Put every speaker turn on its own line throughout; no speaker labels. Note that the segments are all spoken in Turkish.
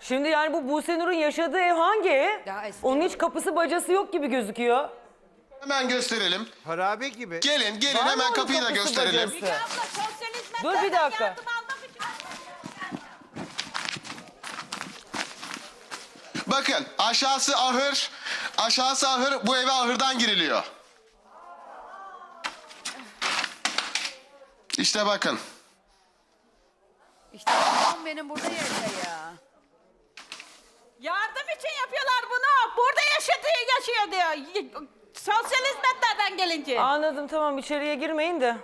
Şimdi yani bu Buse Nur'un yaşadığı ev hangi ev?
Daha eski.
Onun hiç kapısı bacası yok gibi gözüküyor.
Hemen gösterelim.
Harabe gibi.
Gelin
Var mı
hemen
onun
kapıyı da
kapısı
gösterelim.
bacası?
Abla sosyal hizmetlerden
Dur bir dakika.
yardım almak için.
Bakın aşağısı ahır. Aşağısı ahır. Bu eve ahırdan giriliyor. İşte bakın.
İşte babam benim burada yaşıyor. Yardım için yapıyorlar bunu. Burada yaşıyor diyor. Sosyal hizmetlerden gelince.
Anladım, tamam, içeriye girmeyin de.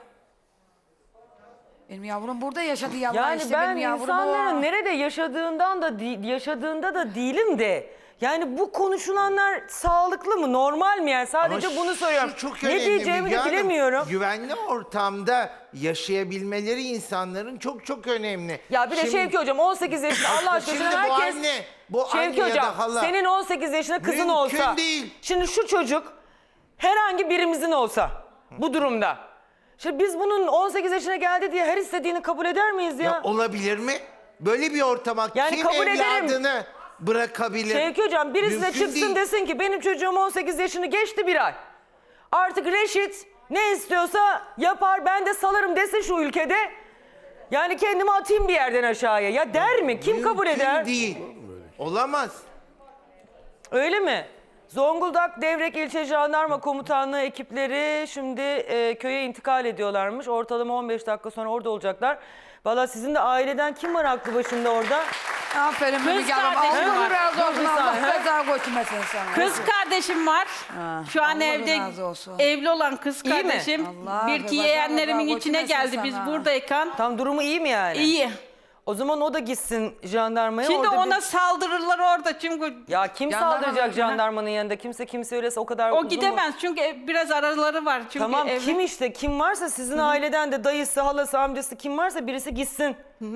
Benim yavrum burada yaşadı yavrum.
Yani
işte
ben
benim yavrum
insanların
o.
nerede yaşadığında da değilim de. Yani bu konuşulanlar sağlıklı mı, normal mi yani? Sadece
Ama
bunu soruyorum.
şu çok
Ne
önemli
diyeceğimi
Müge
de
Hanım.
bilemiyorum.
Güvenli ortamda yaşayabilmeleri insanların çok önemli.
Ya bir de
Şimdi-
Şevki Hocam 18 yaşında Allah aşkına
Şimdi bu
herkes...
anne, bu
Şevki
anne ya
Hocam
da hala.
senin 18 yaşında kızın
Mümkün
olsa...
değil.
Şimdi şu çocuk herhangi birimizin olsa bu durumda. Şimdi biz bunun 18 yaşına geldi diye her istediğini kabul eder miyiz ya?
Ya olabilir mi? Böyle bir ortama
Yani
kim
kabul ederim.
evladını bırakabilir?
Şevki Hocam birisi de
Mümkün
çıksın
değil.
desin ki benim çocuğum 18 yaşını geçti bir ay. Artık reşit ne istiyorsa yapar, ben de salarım desin şu ülkede. Yani kendimi atayım bir yerden aşağıya. Ya der mi? Kim kabul
Mümkün
eder?
değil. Olamaz.
Öyle mi? Zonguldak Devrek İlçe Jandarma Komutanlığı ekipleri şimdi köye intikal ediyorlarmış. Ortalama 15 dakika sonra orada olacaklar. Valla sizin de aileden kim var aklı başında orada?
Aferin Müge Hanım.
kardeşim
Allah
var.
razı olsun.
Dur bir
Allah
saniye.
feda götürmesin sana.
Kız kardeşim var. Şu an
Allah
evde
razı olsun.
evli olan kız
İyi mi?
kardeşim.
Allah
Bir iki
razı
yeğenlerimin
olsun.
içine geldi
Sana.
biz buradayken.
Tam durumu iyi mi yani?
İyi.
O zaman o da gitsin jandarmaya.
Şimdi
orada
ona
bir-
saldırırlar orada çünkü
Ya kim
Jandarma
saldıracak
mı?
jandarmanın yanında? Kimse öylese o kadar
o
uzun mu?
gidemez çünkü biraz araları var. Çünkü
Tamam
evli.
kim işte kim varsa sizin aileden de dayısı, halası, amcası kim varsa birisi gitsin.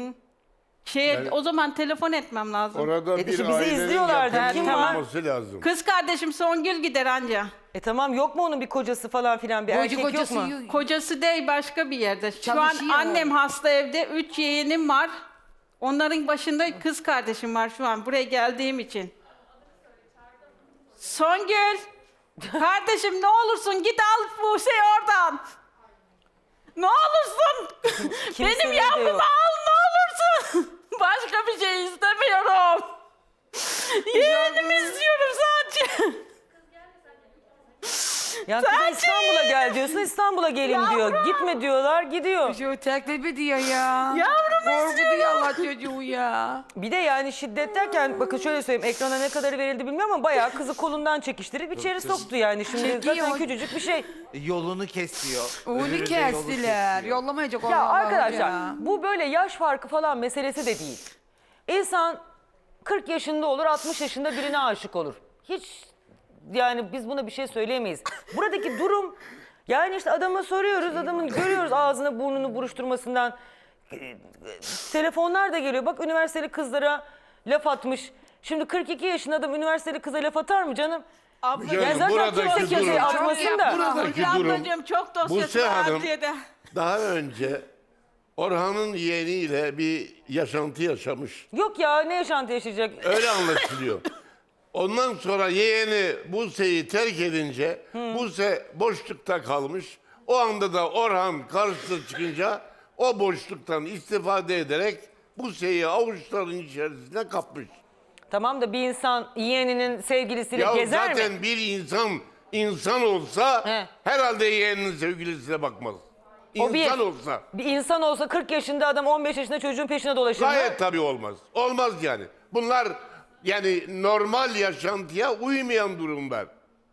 O zaman telefon etmem lazım.
Orada
işte
bir
bizi
ailenin
izliyorlardı.
yakın
Kim
var?
olması lazım.
Kız kardeşim Songül gider anca.
Tamam yok mu onun bir kocası falan filan bir erkek yok mu?
Kocası değil başka bir yerde. Şu
Çalışıyor.
an annem hasta evde. 3 yeğenim var. Onların başında kız kardeşim var şu an buraya geldiğim için. Songül. Kardeşim ne olursun git al Buse'yi oradan. Ne olursun.
Kimsenin
Benim
de
yavrumu
yok.
al ne olursun. Başka bir şey istemiyorum. Yeğenimi istiyorum sadece.
Ya kıza İstanbul'a gel diyorsun, İstanbul'a gelin diyor. Gitme diyorlar, gidiyor.
Şu teklif ediyor ya.
Yavrum
Korkutuyor Allah çocuğu ya.
Bir de yani şiddet derken bakın şöyle söyleyeyim, ekrana ne kadarı verildi bilmiyorum ama bayağı kızı kolundan çekiştirip içeri soktu yani. Şimdi
Çekiyor.
zaten küçücük bir şey.
Yolunu kesiyor.
Onu
Öbürü de yolu
kestiler.
kesiyor.
Yollamayacak
Ya
Allah Allah
arkadaşlar
ya.
bu böyle yaş farkı falan meselesi de değil. İnsan 40 yaşında olur, 60 yaşında birine aşık olur. Hiç yani biz buna bir şey söyleyemeyiz. Buradaki durum yani işte adama soruyoruz, adamın görüyoruz ağzını burnunu buruşturmasından. Telefonlar da geliyor. Bak üniversiteli kızlara laf atmış. Şimdi 42 yaşında adam üniversiteli kıza laf atar mı canım?
Abla,
Yani zaten
buradaki
kimse kimseye
durum-
atmasın da.
Buradaki
Hülya
durum,
ablacığım çok dosyası
Buse
var
Hanım
adliyede.
daha önce Orhan'ın yeğeniyle bir yaşantı yaşamış.
Yok ya ne yaşantı yaşayacak?
Öyle anlaşılıyor. Ondan sonra yeğeni Buse'yi terk edince Buse boşlukta kalmış. O anda da Orhan karşısına çıkınca o boşluktan istifade ederek Buse'yi avuçların içerisine kapmış.
Tamam da bir insan yeğeninin sevgilisiyle
Ya
gezer
zaten
mi?
bir insan olsa
He.
herhalde yeğeninin sevgilisine bakmaz.
O
İnsan olsa
Bir insan olsa 40 yaşında adam 15 yaşında çocuğun peşine dolaşır mı?
gayet tabii olmaz. Olmaz yani. Bunlar yani normal yaşantıya uymayan durumlar.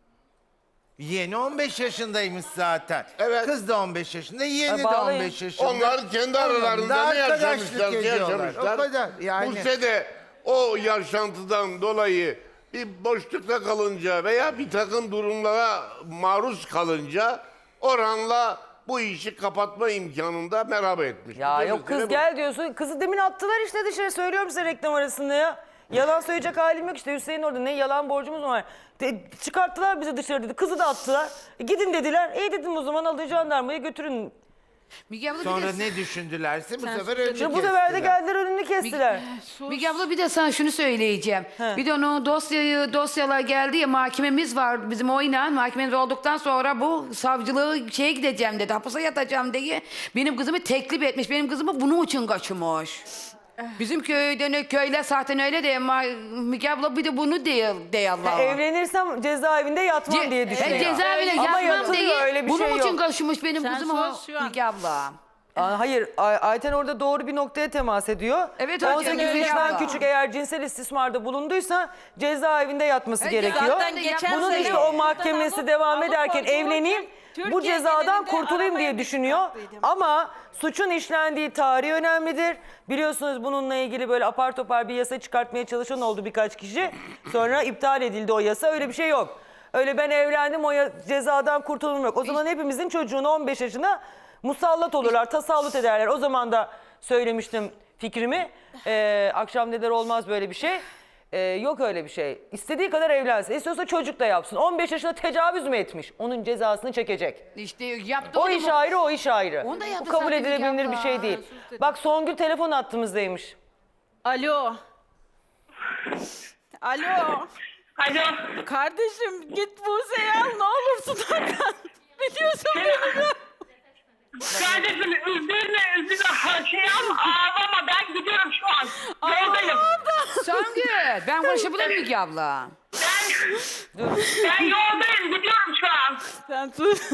Yeğeni 15 yaşındaymış zaten.
Evet.
Kız da 15 yaşında, yeğeni de
bağlayın.
15 yaşında.
Onlar kendi
Onlar da
aralarında ne
arkadaşlık
yaşamışlar,
ediyorlar. O kadar yani.
Buse de o yaşantıdan dolayı bir boşlukta kalınca veya bir takım durumlara maruz kalınca Orhan'la bu işi kapatma imkanında merhaba etmiş.
Ya
Bir de
yok
mesele
kız
bu.
gel diyorsun. Kızı demin attılar işte dışarı, söylüyorum size reklam arasında ya. Yalan söyleyecek halim yok işte, Hüseyin orada ne yalan borcumuz var. Çıkarttılar bizi dışarı dedi. Kızı da attılar. Gidin dediler. İyi dedim o zaman alın jandarmaya götürün.
Müge abla
Sonra
bir de,
ne düşündülerse bu sefer
sus.
önünü
Şimdi bu sefer de
kestiler.
geldiler önünü kestiler.
Müge abla bir de sana şunu söyleyeceğim. Bir de onun dosyalar geldi ya, mahkememiz var bizim oyla. Mahkememiz olduktan sonra bu savcılığı şeye gideceğim dedi. Hapise yatacağım diye benim kızımı teklif etmiş. Benim kızımı bunun için kaçırmış. Bizim köyden köyler zaten öyle de Müge abla bir de bunu değil Allah'a.
Evlenirsem cezaevinde yatmam diye düşünüyor.
Cezaevine
Ama
yatmam
yatılıyor,
diye
öyle bir
bunun
şey
için
yok.
kaçırmış benim
Sen
kızımı
sus şu an.
Müge abla.
Hayır, Ayten orada doğru bir noktaya temas ediyor.
Evet, Ayten
18
öyle
yaşından
abla.
küçük eğer cinsel istismarda bulunduysa cezaevinde yatması gerekiyor.
Zaten geçen
Bunun
sene
işte o mahkemesi
alıp-
devam
alıp
ederken
koyduğu
evleneyim,
için
bu
Türkiye
cezadan
genelinde
kurtulayım diye
arabaya
düşünüyor.
bindim.
Ama suçun işlendiği tarih önemlidir. Biliyorsunuz bununla ilgili böyle apar topar bir yasa çıkartmaya çalışan oldu birkaç kişi. Sonra iptal edildi o yasa. Öyle bir şey yok. Öyle ben evlendim cezadan kurtulum yok. O zaman hepimizin çocuğunu 15 yaşına musallat olurlar, tasallut ederler. O zaman da söylemiştim fikrimi. Akşam dediler olmaz böyle bir şey. Yok öyle bir şey. İstediği kadar evlensin. İstiyorsa çocuk da yapsın. 15 yaşında tecavüz mü etmiş? Onun cezasını çekecek.
İşte yaptı
O
onu
iş
mu?
ayrı, o iş ayrı.
Onu da yaptı
Bu kabul
zaten
edilebilir
Müge
bir şey
abla.
değil. Bak Songül telefon attığımızdaymış.
Alo. Alo.
Alo.
Kardeşim git Buse'yi al ne olursun oradan. Biliyorsun beni.
Kardeşim üzülme. Şey ağlama, ben gidiyorum şu an. Yoldayım.
Songül, ben konuşabilir miyim Müge abla?
Ben yoldayım, gidiyorum şu an.
Sen sus.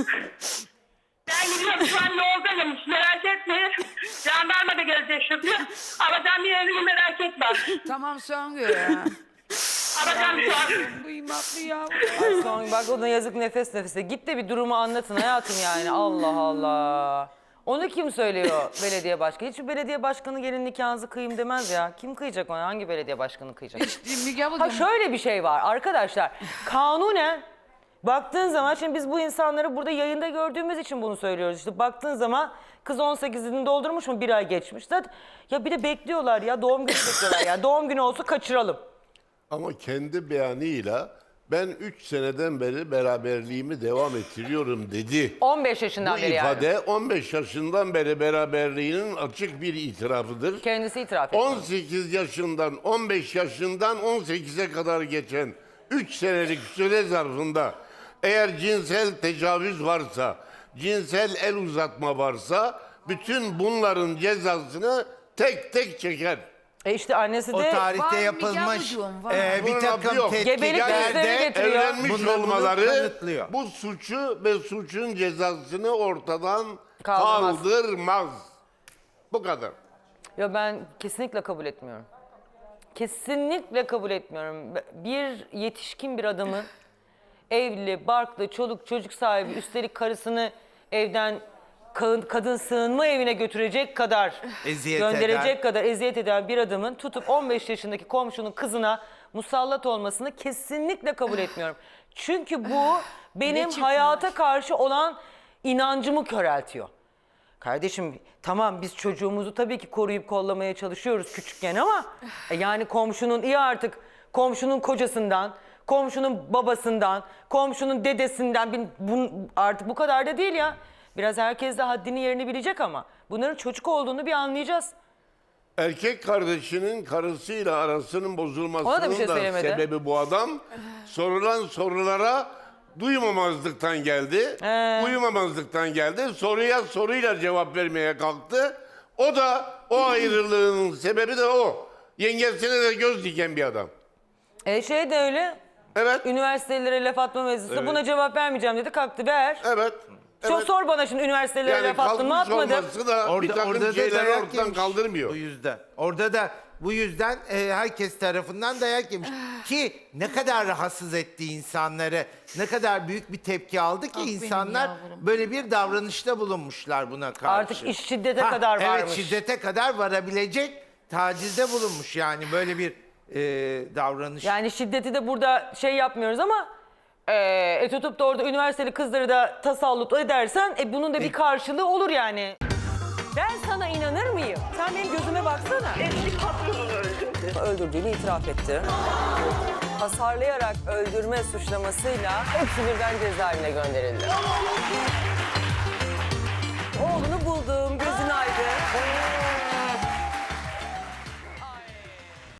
Ben gidiyorum şu an yoldayım. Merak etme. Jandarma da gelecek şimdi. Alacağım bir yerini merak etme.
Tamam Songül.
Alacağım şu an.
Kıymetli ya.
Ay Songül bak ona yazık nefes nefese. Git de bir durumu anlatın hayatım yani. Allah Allah. Onu kim söylüyor belediye başkanı? Hiçbir belediye başkanı gelin nikahınızı kıyayım demez ya. Kim kıyacak ona? Hangi belediye başkanı kıyacak?
Müge abla
Ha şöyle bir şey var arkadaşlar. Kanunen baktığın zaman şimdi biz bu insanları burada yayında gördüğümüz için bunu söylüyoruz. İşte baktığın zaman kız 18'ini doldurmuş mu, bir ay geçmiş. Zaten ya bir de bekliyorlar ya, doğum günü bekliyorlar ya. Doğum günü olsa kaçıralım.
Ama kendi beyanıyla ben 3 seneden beri beraberliğimi devam ettiriyorum dedi.
15 yaşından
Bu
beri yani.
ifade 15 yaşından beri beraberliğinin açık bir itirafıdır.
Kendisi itiraf etti.
18 yaşından 15 yaşından 18'e kadar geçen 3 senelik süre zarfında eğer cinsel tecavüz varsa, cinsel el uzatma varsa bütün bunların cezasını tek tek çeker.
İşte annesi de
O tarihte
Var,
yapılmış
Müge ablacığım, var.
bir
Bunun
takım
adı yok.
Gebelik testleri
tetkiklerde
getiriyor.
Evlenmiş
Bunlar bunu
olmaları
kanıtlıyor.
bu suçu ve suçun cezasını ortadan
Kaldırmaz.
kaldırmaz. Bu kadar.
ya ben kesinlikle kabul etmiyorum. Kesinlikle kabul etmiyorum. Bir yetişkin bir adamın evli, barklı, çoluk çocuk sahibi, üstelik karısını evden kadın sığınma evine götürecek kadar,
Eziyet
gönderecek
eden.
kadar eziyet eden bir adamın tutup 15 yaşındaki komşunun kızına musallat olmasını kesinlikle kabul etmiyorum. Çünkü bu benim hayata karşı olan inancımı köreltiyor. Kardeşim tamam biz çocuğumuzu tabii ki koruyup kollamaya çalışıyoruz küçükken ama yani komşunun iyi artık komşunun kocasından, komşunun babasından, komşunun dedesinden artık bu kadar da değil ya. Biraz herkes de haddini yerini bilecek ama bunların çocuk olduğunu bir anlayacağız.
Erkek kardeşinin karısıyla arasının
Ona da bir
bozulmasının
şey
da
söylemedi.
sebebi bu adam. Sorulan sorulara duymamazlıktan geldi. Uyumamazlıktan geldi. Soruya soruyla cevap vermeye kalktı. O da o ayrılığının sebebi de o. Yengesine de göz diken bir adam.
Şey de öyle.
Evet.
Üniversitelere laf atma mevzusu.
Evet.
Buna cevap vermeyeceğim dedi. Kalktı ver.
Evet.
Çok
evet.
sor bana şimdi üniversitelere
Yani
laf attın mı
kalkmış
atmadım.
olması da bir takım şeyleri
dayak
ortadan
yemiş
kaldırmıyor.
Bu yüzden. Orada da bu yüzden herkes tarafından dayak yemiş. Ki ne kadar rahatsız etti insanları, ne kadar büyük bir tepki aldı ki insanlar böyle bir davranışta bulunmuşlar buna karşı.
Artık iş şiddete kadar
evet,
varmış.
şiddete kadar varabilecek tacizde bulunmuş yani böyle bir davranış.
Yani şiddeti de burada şey yapmıyoruz ama tutup da orada üniversiteli kızları da tasallut edersen bunun da bir karşılığı olur yani. Ben sana inanır mıyım? Sen benim gözüme baksana.
Eski patronunu öldürdü.
Öldürdüğünü itiraf etti. Hasarlayarak öldürme suçlamasıyla hepsi birden cezaevine gönderildi. Oğlunu buldum, gözün aydın.